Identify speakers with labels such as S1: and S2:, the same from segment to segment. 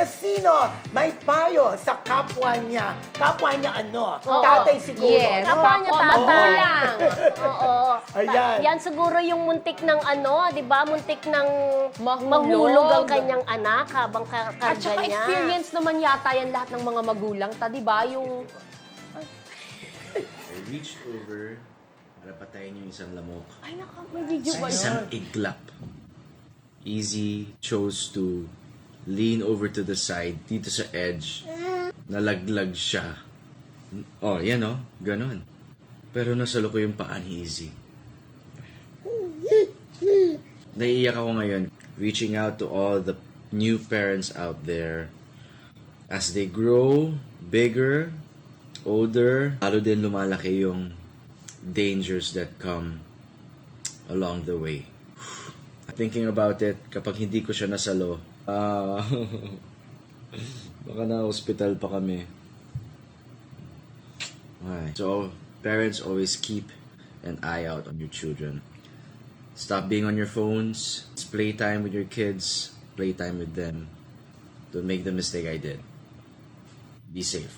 S1: na sino may payo sa kapwa niya. Kapwa niya ano?
S2: Oo.
S1: Tatay siguro.
S2: Yes.
S1: no?
S2: Kapwa niya tatay.
S3: Magulang.
S2: Oo.
S1: Ayan.
S2: Yan siguro yung muntik ng ano, di ba? Muntik ng
S3: Mahulog.
S2: mahulog ang kanyang anak habang
S3: At
S2: karga
S3: saka
S2: niya.
S3: experience naman yata yan lahat ng mga magulang, di ba? Yung
S4: I reached over para patayin yung isang lamok.
S3: ay may video ba yun?
S4: Isang iglap. Easy chose to lean over to the side, dito sa edge. Nalaglag siya. Oh, yan oh. Ganon. Pero nasalo ko yung paa ni Easy. Naiiyak ako ngayon. Reaching out to all the new parents out there. As they grow bigger, older, lalo din lumalaki yung dangers that come along the way. Thinking about it, kapag hindi ko siya nasalo, baka na hospital pa kami. Okay. So, parents always keep an eye out on your children. Stop being on your phones. It's playtime with your kids. Playtime with them. Don't make the mistake I did. Be safe.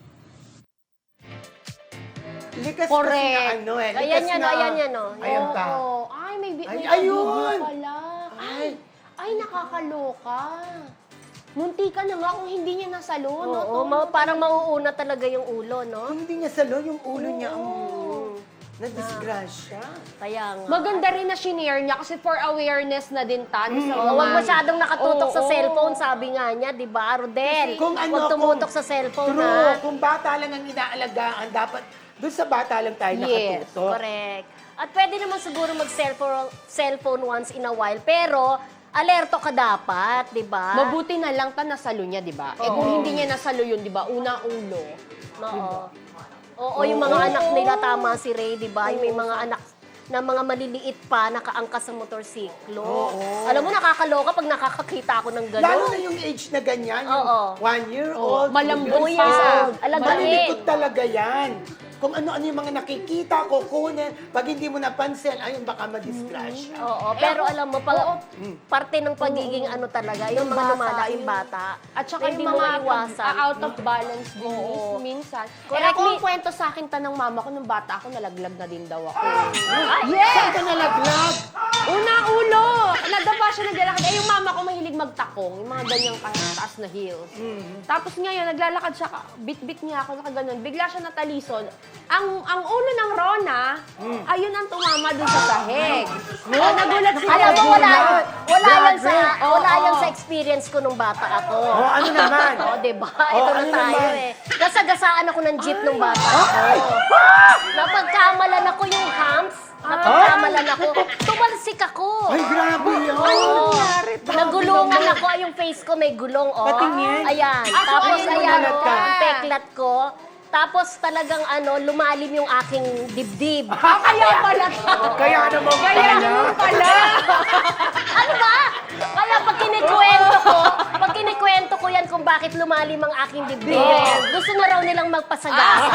S1: Likas
S3: Correct.
S1: kasi na ano eh.
S2: Ayan
S1: likas
S2: yan,
S1: na-
S2: ayan yan, oh.
S1: Ayan pa.
S3: Oo. Ay, may
S1: Ay,
S3: video
S1: ayun!
S3: pala. Ay, nakakaloka. Munti ka na nga kung hindi niya nasalo, no?
S2: Oo, parang mauuna talaga yung ulo, no?
S1: Kung hindi niya salo, yung ulo niya ang na-disgrasya.
S2: Kaya nga.
S3: Maganda rin na shinare niya kasi for awareness na din sa
S2: Oo, huwag masyadong nakatutok sa
S3: Oo.
S2: cellphone, sabi nga niya, di ba, Rodel?
S1: Kung ano,
S2: Huwag tumutok
S1: kung-
S2: sa cellphone,
S1: True.
S2: ha?
S1: Kung bata lang ang inaalagaan, dapat doon sa bata lang tayo
S3: Yes,
S1: nakatutok.
S2: Correct. At pwede naman siguro mag-cellphone once in a while, pero alerto ka dapat, di ba?
S3: Mabuti na lang nasalo niya, di ba? Eh kung hindi niya nasalo yun, di ba? Una ulo.
S2: Oo. Oo, yung mga anak nila, tama si Ray, di ba? Yung may mga anak na mga maliliit pa, nakaangkas sa motorsiklo. Alam mo, nakakaloka pag nakakakita ako ng gano'n.
S1: Lalo na yung age na ganyan, yung
S2: Oo.
S1: 1 year old,
S3: malambot
S1: 2 years
S3: pa.
S1: old.
S2: Alagain.
S1: Malilikot talaga yan. Kung ano-ano yung mga nakikita, kukunin. Pag hindi mo napansin, ayun, baka madisgrasya.
S2: Oo, pero alam mo, parte ng pagiging ano talaga, yung mga lumalaking bata.
S3: At saka
S2: hindi
S3: yung
S2: mo
S3: mga
S2: maiwasan.
S3: out of balance din minsan.
S2: Correct.
S3: Kaya ako ang kwento sa akin ng mama ko, nung bata ako, nalaglag na din daw ako.
S1: Saan ka nalaglag?
S3: Una ulo! Nadapa siya naglalakad. Eh, yung mama ko mahilig magtakong, yung mga ganyang taas na heels. Tapos ngayon, naglalakad siya, bit-bit niya ako, nakaganon. Bigla siya natalison. Ang ulo ng Rona, ayun ang tumama dun sa sahig. Nagulat sila.
S2: Alam mo, wala
S1: Grabe.
S2: yan sa experience ko nung bata ako.
S1: Oh, ano naman?
S2: Oo, diba? Ito na
S1: ano
S2: tayo
S1: naman?
S2: eh. Gasagasaan ako ng jeep nung bata ako. Napagkamalan ako yung humps. Napagkamalan ako. Tumalsik ako.
S1: Ay, grabe yun.
S2: Oo. Nagulungan ako. Yung face ko may gulong. Oh.
S1: Patingin.
S2: Ayan.
S3: Ah, so
S2: Tapos
S3: ayun,
S2: ayan,
S1: nagulat ka.
S2: ang peklat ko. Tapos talagang lumalim yung aking dibdib.
S3: Kaya pala.
S1: Kaya naman pala.
S2: Ano ba? Kaya pag kinikwento ko yan kung bakit lumalim ang aking dibdib. Gusto na raw nilang magpasagasa.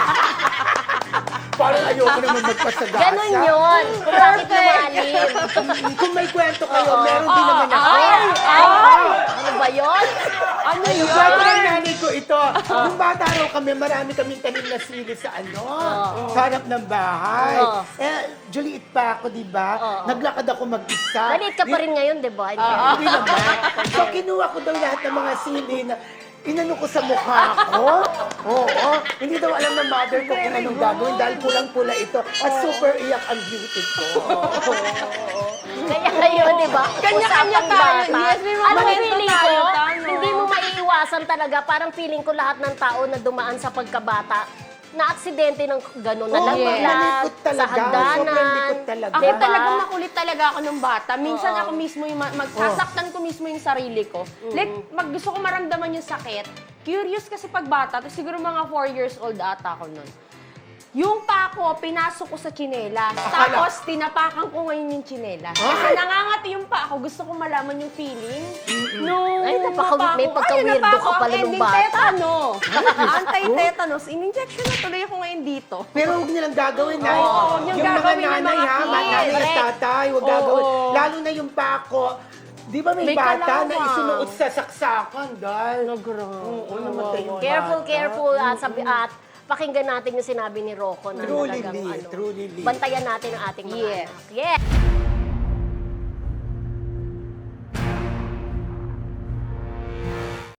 S1: Parang ayoko naman magpasagasa.
S2: Ganon yun. Kung bakit lumalim.
S1: Kung may kwento kayo, meron din naman ako.
S2: Ano ba yun?
S3: Ano
S1: Yung
S3: yun?
S1: kwento ng nanay ko ito. Nung bata raw kami, marami kaming tanim na sili sa sa harap ng bahay. Juliit pa ako, di ba? Naglakad ako mag-isa.
S2: Maliit ka pa rin ngayon, di ba?
S1: Hindi naman. So, kinuha ko daw lahat ng mga sili na inano ko sa mukha ko. Oo. Hindi daw alam ng mother ko kung anong gagawin dahil pulang-pula ito. At super iyak ang beauty ko.
S2: Kaya ngayon, di ba?
S3: Kanya-kanya
S2: Usapang
S3: tayo.
S2: bata.
S3: Yes, may mga
S2: Ano
S3: kwento
S2: feeling ko?
S3: tayo, tama.
S2: Hindi mo maiiwasan talaga. Parang feeling ko lahat ng tao na dumaan sa pagkabata na aksidente ng gano'n,
S1: Oo,
S2: nalaglag,
S1: malikot
S2: sa
S1: talaga. Sobrang
S2: hagdanan.
S1: likot talaga.
S3: Ako
S2: Diba?
S3: talagang makulit talaga ako nung bata. Minsan ako mismo yung magsasaktan ko mismo yung sarili ko. Like, gusto ko maramdaman yung sakit. Curious kasi pag bata, tapos siguro mga 4 years old ata ako nun. Yung pa ako, pinasok ko sa tsinelas. Tapos, tinapakan ko ngayon yung tsinelas. Kasi nangangati yung pa ako. Gusto ko malaman yung feeling. Nung
S2: Ay, may pagka-weirdo
S3: napako
S2: ka pala
S3: ang
S2: nung
S3: ending
S2: bata.
S3: Tetano. Anti-tetanus. In-injection na tuloy ako ngayon dito.
S1: Pero huwag nilang gagawin na.
S3: Oo, huwag niyong
S1: yung mga
S3: gagawin ng
S1: nanay
S3: mga
S1: ha,
S3: kids.
S1: nanay at
S2: Correct.
S1: tatay, huwag
S3: Oo.
S1: gagawin. Lalo na yung pako, Di ba may
S3: May
S1: bata na
S3: kalawang.
S1: isunuot sa saksakan dahil...
S3: Grabe.
S1: namatay yung
S2: Careful,
S1: bata.
S2: careful. At pakinggan natin yung sinabi ni Rocco na
S1: Truly,
S2: talagang
S1: truly.
S2: bantayan natin ang ating mga
S3: Yes.
S2: anak. Yes!